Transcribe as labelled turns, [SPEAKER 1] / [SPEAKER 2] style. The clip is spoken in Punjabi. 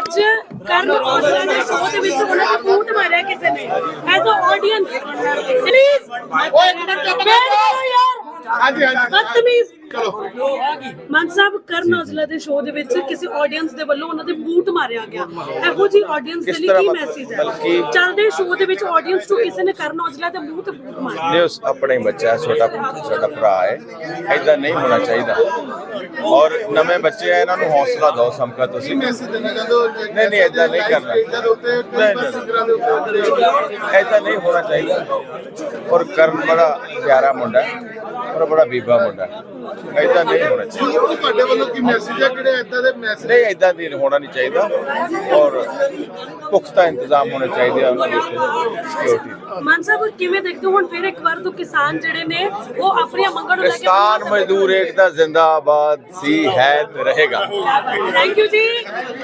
[SPEAKER 1] ਕਰਨ ਔਜਲਾ ਦੇ ਸ਼ੋਅ ਦੇ ਵਿੱਚ ਉਹਨਾਂ ਨੇ ਬੂਟ ਮਾਰਿਆ ਕਿਸੇ ਨੇ ਐਜ਼ ਅ ਆਡੀਅנס ਪਲੀਜ਼
[SPEAKER 2] ਹਾਂਜੀ ਹਾਂਜੀ
[SPEAKER 1] ਬਦਤਮੀਜ਼
[SPEAKER 2] ਚਲੋ
[SPEAKER 1] ਮਾਨ ਸਾਹਿਬ ਕਰਨ ਔਜਲਾ ਦੇ ਸ਼ੋਅ ਦੇ ਵਿੱਚ ਕਿਸੇ ਆਡੀਅנס ਦੇ ਵੱਲੋਂ ਉਹਨਾਂ ਦੇ ਬੂਟ ਮਾਰਿਆ ਗਿਆ ਇਹੋ ਜੀ ਆਡੀਅנס ਦੇ ਲਈ ਕੀ ਮੈਸੇਜ ਹੈ ਚੱਲਦੇ ਸ਼ੋਅ ਦੇ ਵਿੱਚ ਆਡੀਅנס ਨੂੰ ਕਿਸੇ ਨੇ ਕਰਨ ਔਜਲਾ ਦੇ ਮੂੰਹ ਤੇ ਬੂਟ ਮਾਰਿਆ
[SPEAKER 3] ਨੇ ਉਸ ਆਪਣਾ ਹੀ ਬੱਚਾ ਹੈ, ਸਾਡਾ ਭਰਾ ਹੈ, ਐਦਾਂ ਨਹੀਂ ਹੋਣਾ ਚਾਹੀਦਾ। ਔਰ ਨਵੇਂ ਬੱਚੇ ਆ, ਇਹਨਾਂ ਨੂੰ ਹੌਸਲਾ ਦਿਓ ਸਮਕਾ ਤੁਸੀਂ।
[SPEAKER 2] ਮੈਸੇਜ ਦੇਣਾ ਚਾਹੁੰਦੇ
[SPEAKER 3] ਨਹੀਂ ਨਹੀਂ ਐਦਾਂ ਨਹੀਂ ਕਰਨਾ,
[SPEAKER 2] ਸਟੇਜਾਂ ਦੇ ਉੱਤੇ ਸਿੰਗਰਾਂ ਦੇ ਉੱਤੇ
[SPEAKER 3] ਐਦਾਂ ਨਹੀਂ ਹੋਣਾ ਚਾਹੀਦਾ। ਔਰ ਕਰਨ ਬੜਾ ਪਿਆਰਾ ਮੁੰਡਾ ਹੈ ਔਰ ਬੜਾ ਬੀਬਾ ਮੁੰਡਾ ਹੈ, ਐਦਾਂ ਨਹੀਂ ਹੋਣਾ ਚਾਹੀਦਾ।
[SPEAKER 2] ਤੁਹਾਡੇ ਵੱਲੋਂ ਕੀ ਮੈਸੇਜ ਹੈ ਕਿਹੜੇ ਏਦਾਂ ਦੇ ਮੈਸੇਜ
[SPEAKER 3] ਨਹੀਂ ਐਦਾਂ ਦੀ ਹੋਣਾ ਨਹੀਂ ਚਾਹੀਦਾ ਔਰ ਪੁਖਤਾ ਇੰਤਜ਼ਾਮ ਹੋਣੇ ਚਾਹੀਦੇ ਆ ਉਹਨਾਂ ਦੇ ਸਿਕਿਉਰਿਟੀ।
[SPEAKER 1] ਮਾਨ ਸਾਹਿਬ ਕਿਵੇਂ ਦੇਖਦੇ ਹੋ ਹੁਣ ਫਿਰ ਇੱਕ ਵਾਰ ਤੋਂ ਕਿਸਾਨ ਜਿਹੜੇ ਨੇ ਉਹ ਆਪਣੀਆਂ ਮੰਗਾਂ ਨੂੰ ਲੈ ਕੇ
[SPEAKER 3] ਕਿਸਾਨ ਮਜ਼ਦੂਰ ਏਕਤਾ ਜ਼ਿੰਦਾਬਾਦ ਸੀ ਹੈ ਤੇ ਰਹੇਗਾ।
[SPEAKER 1] ਥੈਂਕ ਯੂ ਜੀ।